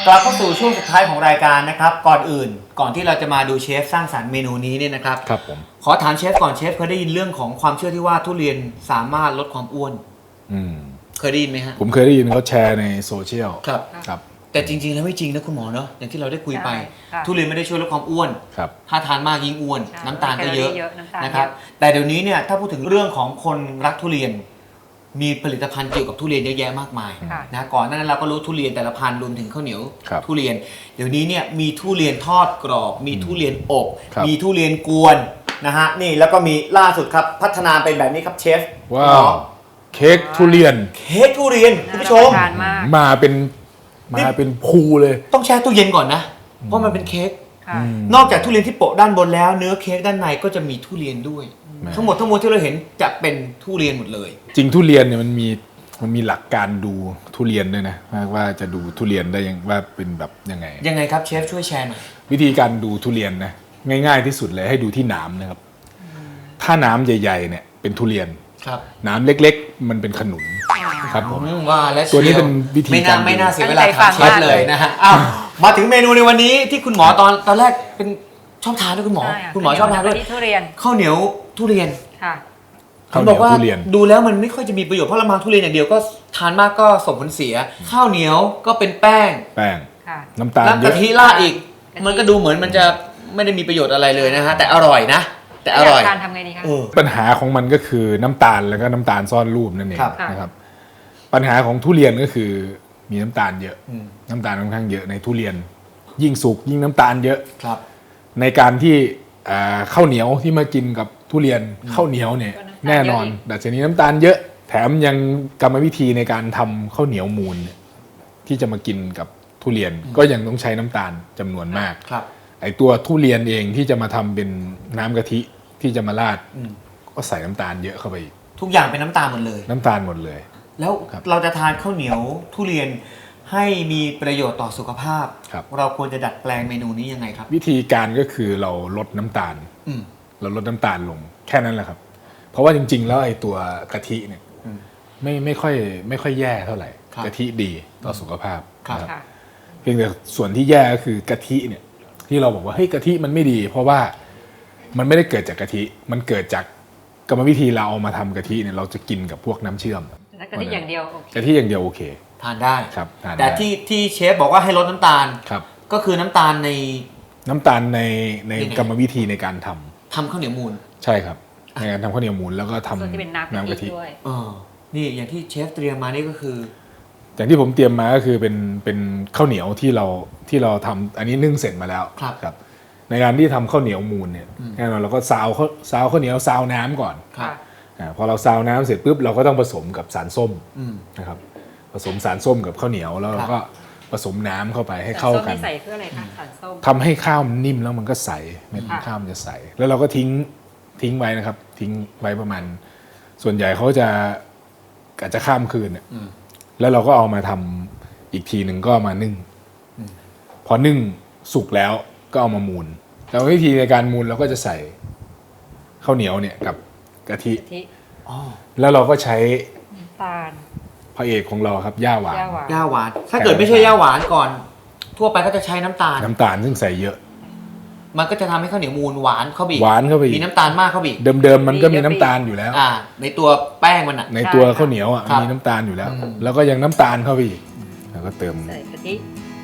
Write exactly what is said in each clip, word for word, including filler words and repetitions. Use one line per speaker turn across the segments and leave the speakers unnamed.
กลับเข้าสู่ช่วงสุดท้ายของรายการนะครับก่อนอื่นก่อนที่เราจะมาดูเชฟสร้างสรรค์เมนูนี้เนี่ยนะครับ
ครับผม
ขอถามเชฟก่อนเชฟเคยได้ยินเรื่องของความเชื่อที่ว่าทุเรียนสามารถลดความอ้วน
อืม
เคยได้ยินไหมฮะ
ผมเคยได้ยินเขาแชร์ในโซเชียล
ครับ
ครับ
แต่จริงๆแล้วไม่จริงนะคุณหมอเนาะอย่างที่เราได้คุยไปทุเรียนไม่ได้ช่วยลดความอ้วน
ครับ
ถ้าทานมากยิ่งอ้วนน้ำตาลก็เยอะ
นะ
นะค
ค
รั
รั
บบ แต่เดี๋ยวนี้เนี่ยถ้าพูดถึงเรื่องของคนรักทุเรียนมีผลิตภัณฑ์เกี่ยวกับทุเรียนเยอะแยะมากมายนะก่อนหน้านั้นเราก็รู้ทุเรียนแต่ละพันธุ์รวมถึงข้าวเหนียวทุเรียนเดี๋ยวนี้เนี่ยมีทุเรียนทอดกรอบมีทุเรียนอบมีทุเรียนกวนนะฮะนี่แล้วก็มีล่าสุดครับพัฒนาเป็นแบบนี้ครับเชฟ
ว้าวเค้กทุเรียน
เค้กทุเรียนคุณผู้ชม
มาเป็นมาเป็นภูเลย
ต้องแช่ตู้เย็นก่อนนะเพราะมันเป็นเค้กนอกจากทุเรียนที่โปะด้านบนแล้วเนื้อเค้กด้านในก็จะมีทุเรียนด้วยทั้งหมดทั้งมวลที่เราเห็นจะเป็นทุเรียนหมดเลย
จริงทุเรียนเนี่ยมันมีมันมีหลักการดูทุเรียนด้วยนะว่าจะดูทุเรียนได้ยังว่าเป็นแบบยังไง
ยังไงครับเชฟช่วยแชร์หน่อย
วิธีการดูทุเรียนนะง่ายๆที่สุดเลยให้ดูที่หนามนะครับถ้าหนามใหญ่ๆเนี่ยเป็นทุเรียนหนามเล็กๆมันเป็นขนุนครับผม
ว่าและ
ตัวนี้เป็นวิธีการ
ไม่น่าเสียเวลาถามเชฟเลยนะฮะอ้าวมาถึงเมนูในวันนี้ที่คุณหมอตอนตอนแรกเป็นชอบทานด้วยคุณหมอคุณหมอชอบทานด้วยข้าวเหนียวทุเรียน
ค่ะ
เขาบอกว่าดูแล้วมันไม่ค่อยจะมีประโยชน์เพราะเรามาทุเรียนอย่างเดียวก็ทานมากก็ส่งผลเสียข้าวเหนียวก็เป็นแป้ง
แป้งน้ำตาล
แล้วกะทิราดอีกมันก็ดูเหมือนมันจะไม่ได้มีประโยชน์อะไรเลยนะฮะแต่อร่อยนะแต่อร่อย
การทำไงดีคะ
ปัญหาของมันก็คือน้ำตาลแล้วก็น้ำตาลซ่อนรูปนั่นเองนะครับปัญหาของทุเรียนก็คือมีน้ำตาลเยอะน้ำตาลค่อนข้างเยอะในทุเรียนยิ่งสุกยิ่งน้ำตาลเยอะในการที่ข้าวเหนียวที่มากินกับทุเรียนข้าวเหนียวเนี่ยแน่นอนดัชนีน้ำตาลเยอะแถมยังกรรมวิธีในการทำข้าวเหนียวมูลที่จะมากินกับทุเรียนก็ยังต้องใช้น้ำตาลจำนวนมากไอตัวทุเรียนเองที่จะมาทำเป็นน้ำกะทิที่จะมาราดก็ใส่น้ำตาลเยอะเข้าไปอีก
ทุกอย่างเป็นน้ำตาลหมดเลย
น้ำตาลหมดเลย
แล้วเราจะทานข้าวเหนียวทุเรียนให้มีประโยชน์ต่อสุขภาพเราควรจะดัดแปลงเมนูนี้ยังไงครับ
วิธีการก็คือเราลดน้ำตาลเราลดน้ำตาลลงแค่นั้นแหละครับเพราะว่าจริงๆแล้วไอ้ตัวกะทิเนี่ยไม่ไม่ค่อยไม่ค่อยแย่เท่าไหร่กะทิดีต่อสุขภาพครับเพียงแต่ส่วนที่แย่ก็คือกะทิเนี่ยที่เราบอกว่าเฮ้ยกะทิมันไม่ดีเพราะว่ามันไม่ได้เกิดจากกะทิมันเกิดจากกรรมวิธีเราเอามาทำกะทิเนี่ยเราจะกินกับพวกน้ำเชื่อม
กะทิอย่างเดียว
กะทิอย่างเดียวโอเค
ทานได้
ครับ
แต่ที่ที่เชฟบอกว่าให้ลดน้ำตาล
ครับ
ก็คือน้ำตาลใน
น้ำตาลในในกรรมวิธีในการทำ
ทำข้าวเหนียวมูล
ใช่ครับในการทำข้าวเหนียวมูลแล้วก็ทำน้ำกะทิ
ด้วย
อ๋อนี่อย่างที่เชฟเตรียมมานี่ก็คือ
อย่างที่ผมเตรียมมาก็คือเป็นเป็นข้าวเหนียวที่เราที่เราทำอันนี้นึ่งเสร็จมาแล้วครับในการที่ทำข้าวเหนียวมูลเนี่ยแน่นอนเราก็ซาวข้าวซาวข้าวเหนียวซาวน้ำก่อนพอเราซาวน้ำเสร็จปุ๊บเราก็ต้องผสมกับสารส้มนะครับผสมสารส้มกับข้าวเหนียวแล้วเราก็ผสมน้ำเข้าไปให้เข้ากัน
ใส่เพื่ออะไรคะสารส้ม
ทำให้ข้าวมันนิ่มแล้วมันก็ใสเม็ดข้าวมันจะใสแล้วเราก็ทิ้งทิ้งไว้นะครับทิ้งไว้ประมาณส่วนใหญ่เขาจะอาจจะข้ามคืนเนี่ยแล้วเราก็เอามาทำอีกทีหนึ่งก็มานึ่งพอนึ่งสุกแล้วก็เอามามูลแล้ววิธีในการมูลเราก็จะใส่ข้าวเหนียวเนี่ยกับกะทิแล้วเราก็ใช้
ตาล
พระเอกของเราครับย่าหวาน
ย่าหวานถ้าเกิดไม่ใช่ย่าหวานก่อนทั่วไปก็จะใช้น้ำตาล
น้ำตาลซึ่งใส่เยอะ
มันก็จะทำให้ข้าวเหนียวมูลหวานเข้าไป
หวานเข้าไป
มีน้ำตาลมากเข้าไปอีก
เดิมๆมันก็มีน้ำตาลอยู่แล้ว
อ่าในตัวแป้งมันอ่ะ
ในตัวข้าวเหนียวอ่ะมีน้ำตาลอยู่แล้วแล้วก็ยังน้ำตาลเข้าไปอีกแล้วก็เติม
ใส่กะทิ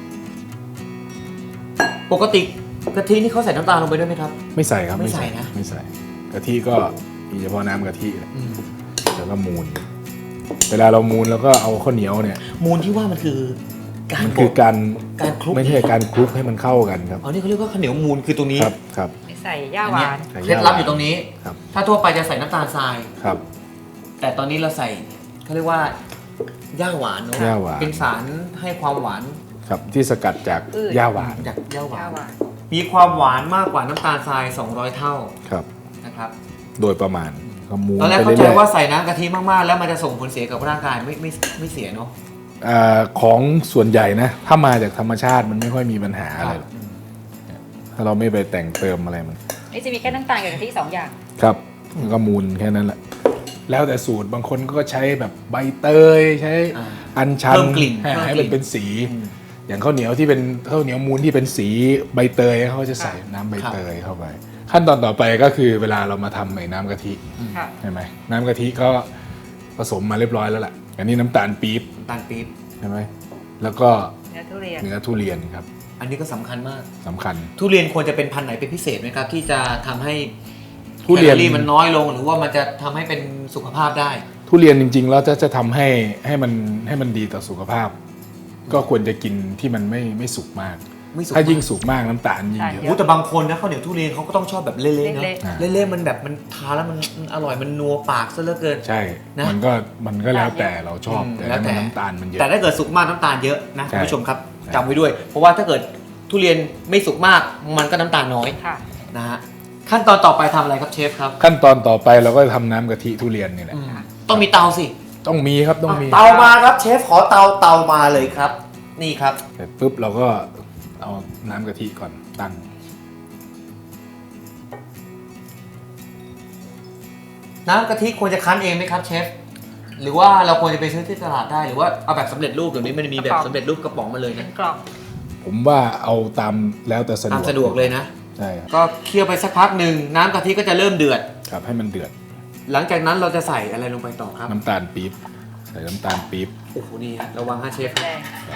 ปกติกะทินี่เขาใส่น้ำตาลลงไปด้วยไหมครับ
ไม่ใส่ครับ
ไม่ใส่นะ
ไม่ใส่กะทิก็มีเฉพาะน้ำกะทิแล้วก็มูลเวลาเรามูลแล้วก็เอาข้าวเหนียวเนี่ย
มูลที่ว่ามันคือ
การมันคือการ
การคลุก
ไม่ใช่การคลุกให้มันเข้ากันครับ
อ๋อนี่เขาเรียกว่าข้าวเหนียวมูลคือตรงนี้
ครับครับ
ใส่ย่าหวาน
เคล็ดลับอยู่ตรงนี้ถ้าทั่วไปจะใส่น้ำตาลทราย
ครับ
แต่ตอนนี้เราใส่เขาเรียกว่าย่าหวานเนาะเป็นสารให้ความหวาน
ครับที่สกัดจากย่าหวาน
จากย่าหวานมีความหวานมากกว่าน้ำตาลทรายสองร้อยเท่า
ครับ
นะครับ
โดยประมาณ
ตอนแรกเข้าใจว่าใส่น้ำกะทิมากๆแล้วมันจะส่งผลเสียกับร่างกายไม่ไม่ไม่เสียเนาะ
ของส่วนใหญ่นะถ้ามาจากธรรมชาติมันไม่ค่อยมีปัญหาอะไรถ้าเราไม่ไปแต่งเติมอะไรมัน
นี่จะมีแค่น้ำตาลกับกะทิสองอย่าง
ครับก็มูลแค่นั้นแหละแล้วแต่สูตรบางคนก็ใช้แบบใบเตยใช้อัญชัน
เพิ่มกลิ่น
ให้มันเป็นสีอย่างข้าวเหนียวที่เป็นข้าวเหนียวมูนที่เป็นสีใบเตยเขาจะใส่น้ำใบเตยเข้าไปขั้นตอนต่อไปก็คือเวลาเรามาทำไอ้น้ำกะทิ
ค่ะ
ใช่ไหมน้ำกะทิก็ผสมมาเรียบร้อยแล้วแหละอันนี้น้ำตาลปี๊บ
น้ำตาลปี๊บ
ใช่ไหมแล้วก็
เนื้อทุเรียน
เนื้อทุเรียนครับ
อันนี้ก็สำคัญมาก
สำคัญ
ทุเรียนควรจะเป็นพันธุ์ไหนเป็นพิเศษไหมครับ ที่จะทำให้
ทุเรียน
แคลอรี่มันน้อยลงหรือว่ามันจะทำให้เป็นสุขภาพได้
ทุเรียนจริงๆแล้วจะจะทำให้ให้มันให้มันดีต่อสุขภาพ ก็ควรจะกินที่มันไม่ไม่สุกมาก
ไม่สุก
ถ้ายิ่ง
มาก
สุกมากน้ำตาลยิ่งเย
โอ้
อะ
แต่บางคนนะข้าวเหนียวทุเรียนเขาก็ต้องชอบแบบเละๆเนาะ
เละ
เละๆมันแบบมันทานแล้วมันมันอร่อยมันนัวปากซะเหลือเกิน
ใช่
นะ
มันก็มันก็แล้วแต่เราชอบ
อืม
แต่
แล้วแต่
ถ้ามันน้ำตาลมันเยอะ
แต่ถ้าเกิดสุกมากน้ำตาลเยอะนะ
ใช่
คุณผู้ชมครับ
ใช่
จำไว้ด้วย เพราะว่าถ้าเกิดทุเรียนไม่สุกมากมันก็น้ำตาลน้อย
ค่ะ
นะฮะขั้นตอนต่อไปทำอะไรครับเชฟครับ
ขั้นตอนต่อไปเราก็ทำน้ำกะทิทุเรียนนี่แหละ
อืมต้องมีเตาสิ
ต้องมีครับต้องมี
เตามาครับเชฟขอเตาเตามาเลยครับ นี่ครับ
เสร็จปุ๊บเราก็เอาน้ำกะทิก่อนตั้ง
น้ำกะทิควรจะคั้นเองไหมครับเชฟหรือว่าเราควรจะไปซื้อที่ตลาดได้หรือว่าเอาแบบสำเร็จรูปเดี๋ยวนี้มันมีแบบสำเร็จรูปกระป๋องมาเลย
เป็
นะ
นกล่อง
ผมว่าเอาตามแล้วแต่สะดวก
ตามสะดวกเลยนะ
ใช่ครับ
ก็เคี่ยวไปสักพักหนึ่งน้ำกะทิก็จะเริ่มเดือด
ครับให้มันเดือด
หลังจากนั้นเราจะใส่อะไรลงไปต่อครับ
น้ำตาลปี๊บใส่น้ำตาลปี๊บ
โอ้โหนี่ฮะระวังฮะเชฟ
แดง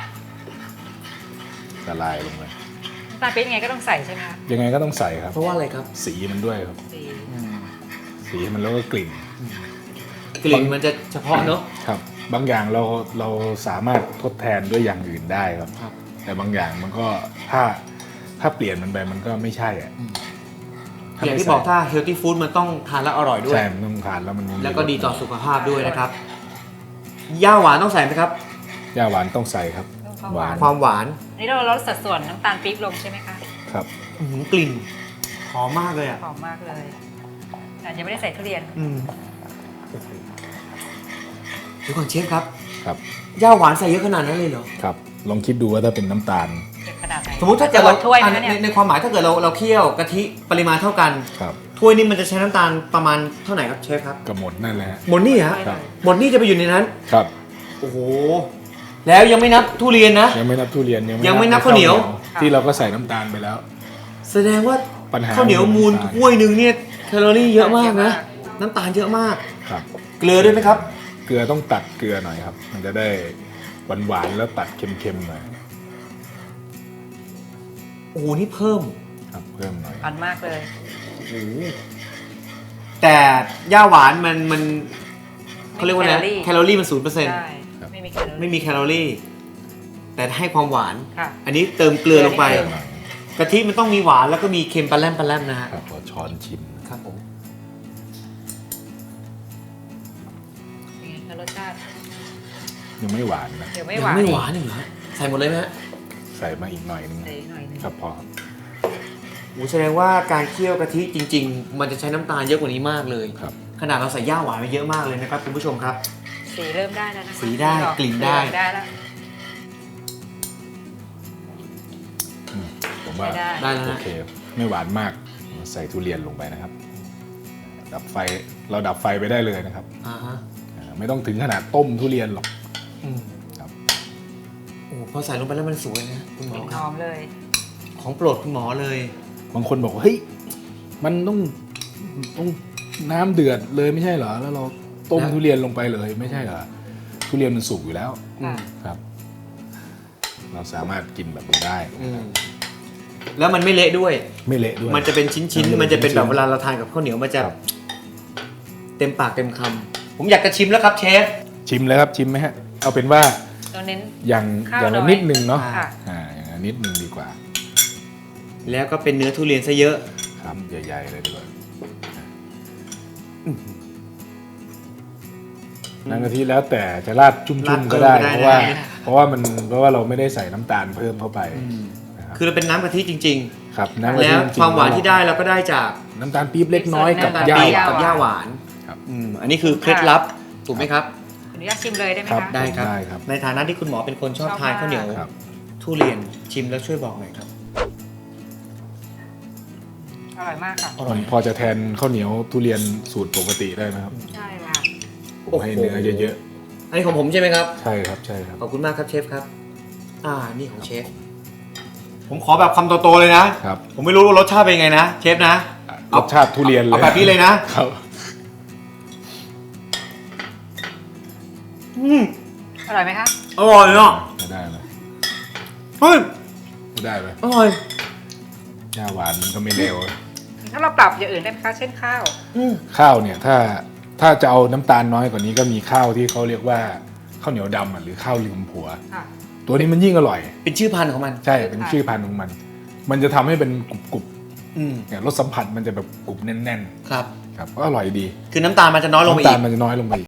ละลายลงไป
น้ำตาลปี๊บยังไงก็ต้องใส่ใช่ไหมคะ
ยังไงก็ต้องใส่ครับ
เพราะว่าอะไรครับ
สีมันด้วยครับ
สี
สีมันแล้วก็กลิ่น
กลิ่นมันจะเฉพาะเนอะ
ครับ บางอย่างเราเราสามารถทดแทนด้วยอย่างอื่นได้ครับ
ครับ
แต่บางอย่างมันก็ถ้าถ้าเปลี่ยนมันไปมันก็ไม่ใช่อะ
อย่างที่บอกถ้า healthy food มันต้องทานแล้วอร่อยด้วย
ใช่มันต้องทานแล้วมันยังมี
แล้วก็ดีต่อสุขภาพด้วยนะครับย่าหวานต้องใส่ไหมครับ
ย่าหวานต้องใส่ครับ
ต้องหวาน
ความหวาน
นี่เราลดสัดส่วนน้ำตาลปี๊บลงใช่ไหมคะ
ครับ
อื้อหือกลิ่นหอมมากเลยอ่ะ
หอมมากเลยแต่ยังไม่ได้ใส่ทุเรียน
อืมโอ้โหเดี๋ยวก่อนเชฟครับ
ครับ
ย่าหวานใส่เยอะขนาดนั้นเลยเหรอ
ครับลองคิดดูว่าถ้าเป็นน้ำตาล
เก็บขนาดไหน
สมมติถ้าเกิดเรา
ถ้วย
อ่ะ
นะ
ใน
เนี่ย
ในความหมายถ้าเกิดเราเราเคี่ยวกะทิปริมาณเท่ากัน
ครับ
ถ้วยนี้มันจะใช้น้ำตาลประมาณเท่าไหร่ครับเชฟครับ
ก็หมดนั่นแหละฮะ
หมดนี่ฮะ
ครับ
หมดนี่จะไปอยู่ในนั้น
ครับ
โอ้โหแล้วยังไม่นับทุเรียนนะ
ยังไม่นับทุเรียน
ยังไม่นับข้าวเหนียว
ที่เราก็ใส่น้ำตาลไปแล้ว
แสดงว่า
ปัญหา
ข้าวเหนียวมูล
น้ำตาล
ถ้วยหนึ่งเนี่ยแคลอรี่เยอะมากนะ น้ำตาลเยอะมาก
ครับ
เกลือด้วยไหมครับ
เกลือต้องตัดเกลือหน่อยครับ มันจะได้หวานๆแล้วตัดเค็มๆหน่อย
โอ้โหนี่เพิ่ม
ครับเพิ่มหน่อย
อันมากเลย
โอ้โหแต่ย่าหวานมันมันเขาเรียกว่าไงแคลอรี่มันศูนย์เปอร์เซ็นต์
ใช่ไม่มีแคลอรี่
ไม่มีแคลอรี่ แต่ให้ความหวาน
ค่ะ
อันนี้เติมเกลือลงไป
เกลือนิดนึ
กะทิมันต้องมีหวานแล้วก็มีเค็มปลาแรมปลาแรมนะฮะ
ครับขอช้อนชิม
ครับผม
เป็นไงคะรสชาติ
ยังไม่หวานนะ
เดี๋ยวไม่
ยั
หวาน
ไม่หวานอีกเหรอใส่หมดเลยไหมฮะ
ใส่มาอีกหน่อยนึง
ใส่หน่อยนึง
ครับพอครับ
โอ้แสดงว่าการเคี่ยวกะทิจริง ๆ มันจะใช้น้ำตาลเยอะกว่านี้มากเลย
ครับ
ขนาดเราใส่ย่าหวานไปเยอะมากเลยนะครับคุณผู้ชมครับ
สีเริ่มได้แล้วนะคะ
สีได้
ออก
กลิ่นได้
สีออได้แล้ว
อืมผมว่า
ใช้ได้
ได้แล้ว
โอ
นะ
เคไม่หวานมากใส่ทุเรียนลงไปนะครับ ดับไฟเราดับไฟไปได้เลยนะครับ
อ่าฮะ
อ่าไม่ต้องถึงขนาดต้มทุเรียนหรอก
อืม
ครับ
โอ้พอใส่ลงไปแล้วมันสวยนะคุณหม
ก
อ
ลิ่น
ค
ห
รับ
อมเลย
ของโปรดคุณหมอเลย
บางคนบอกว่าเฮ้ยมันต้องต้องน้ำเดือดเลยไม่ใช่เหรอแล้วเราต้ม
แล้ว
ทุเรียนลงไปเลยไม่ใช่เหรอทุเรียนมันสุกอยู่แล้ว
อืม
ครับ เราสามารถกินแบบนี้ได้
อืมแล้วมันไม่เละด้วย
ไม่เละด้วย
มันจะเป็นชิ้นๆ มันจะเป็นแบบเวลาเราทานกับข้าวเหนียวมันจะ
ครับ
เต็มปากเต็มคำผมอยากจะชิมแล้วครับเชฟ
ชิมเลยครับชิมไหมฮะเอาเป็นว่า
เราเน้น
อย่าง
ข้าว
อย่างละ
น้อย
นิดนึงเนาะ
ค่ะ
อ่าอย่างละนิดนึงดีกว่า
แล้วก็เป็นเนื้อทุเรียนซะเยอะ
ครับใหญ่ๆเลยดีกว่าน้ำกะทิแล้วแต่จะราดจุ่
ราด
ม
เพิ่
ๆ
ม
ก็ได้
ก็ได้
เพราะว่า
นะ
เพราะว่ามันเพราะว่าเราไม่ได้ใส่น้ำตาลเพิ่มเข้าไปนะครับ
คือเราเป็นน้ำกะทิจริง
ครับ
ๆ
น้ำกะทิ
แล้ว
จริงๆ
ความหวานที่ได้เราก็ได้จาก
น้ำตาลปี๊บเล็กน้อยกับ
น้ำตาล
ย่า
ปี๊บ
หวาน
กับย่าหวาน
ครับ
อืมอันนี้คือเคล็ดลับถูกไหมครับ
อนุญาตชิมเลยได้ไหม
ครับ
คะ
ได้ครับ
ได้ครับ
ในฐานะที่คุณหมอเป็นคนชอบ
ชอบ
ทาน
มาก
ข้าวเหนียว
ครับ
ทุเรียนชิมแล้วช่วยบอกหน่อยครับ
อร่อยมากค่ะ
อร่อย
พอจะแทนข้าวเหนียวทุเรียนสูตรปกติได้ไหมครับ
ใช่ค่ะ
ผมให้เนื้อเยอะ
อันนี้ของผมใช่ไหมครับ
ๆใช่ครับใช่ครับ
ขอบคุณมากครับเชฟครับอ่านี่ของเชฟผมขอแบบคำโตๆเลยนะครับ ผมไม่รู้ว่ารสชาติเป็นไงนะเชฟนะ
รสชาติทุเรียนเลย
เอาแบบนี้เลยนะครับ อืม
อร่อยไหมคะ
อร่อยเนาะ
ไม่ได้ไหม
เฮ้ย
ไม่ได้ไหม
อร่อย
ยาหวานมันก็ไม่เลว
ถ้าเราปรับอย่างอื่นได้ไหมคะ เช่นข้าว
อืม
ข้าวเนี่ยถ้าถ้าจะเอาน้ำตาลน้อยกว่านี้ก็มีข้าวที่เขาเรียกว่าข้าวเหนียวดำอ่ะหรือข้าวลืมผัว
ค่ะ
ตัวนี้มันยิ่งอร่อย
เป็นชื่อพันธุ์ของมัน
ใช่เป็นชื่อพันธุ์ของมัน มันจะทำให้เป็นกรุบกรุบ
อืม
ๆเนี่ยรสสัมผัสมันจะแบบกรุบแน่น
ครับ
ๆครับก็อร่อยดี
คือน้ำตาลมันจะน้อยลงไป
น้ำตา
อี
ล
ก
มันจะน้อยลงไปอีก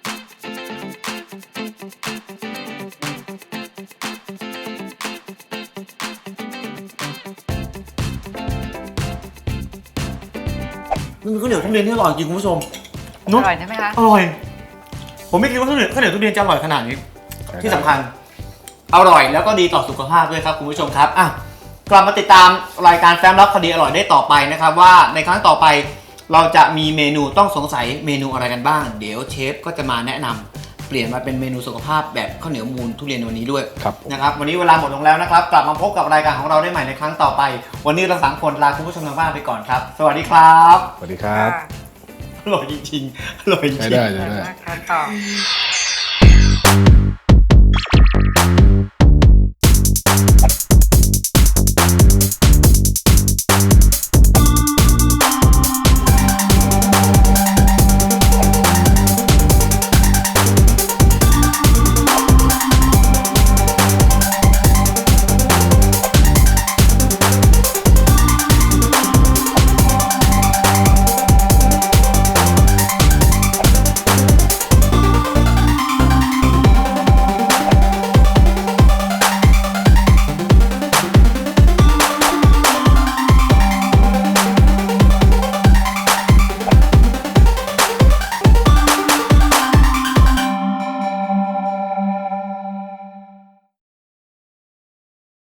มันเป็นข้าวเหนียวทุเรียนที่อร่อยจริงคุณผู้ชม
อ
เนอะ
ร่อยใช่ไหมคะ
อร่อย ผมไม่คิดว่าข้าวเหนียวข้าวเหนียวทุเรียนจะอร่อยขนาดนี้
ใช่
ที่สำคัญ อร่อยแล้วก็ดีต่อสุขภาพด้วยครับคุณผู้ชมครับอ่ะกลับมาติดตามรายการแฟ้มลับคดีอร่อยได้ต่อไปนะครับว่าในครั้งต่อไปเราจะมีเมนูต้องสงสัยเมนูอะไรกันบ้าง เดี๋ยวเชฟก็จะมาแนะนำเปลี่ยนมาเป็นเมนูสุขภาพแบบข้าวเหนียวมูลทุเรียนในวันนี้ด้วย
ครับผม
นะครับวันนี้เวลาหมดลงแล้วนะครับกลับมาพบกับรายการของเราได้ใหม่ในครั้งต่อไป วันนี้เราสามคนลาคุณผู้ชมทางบ้านไปก่อนครับ สวัสดีครับ
สวัสดีครับ
อร่อยจริงๆอร่อยจริง
ใช้
ๆ
ได้
อ
ใช้
ร่อย
ได้
มากค่ะต่อ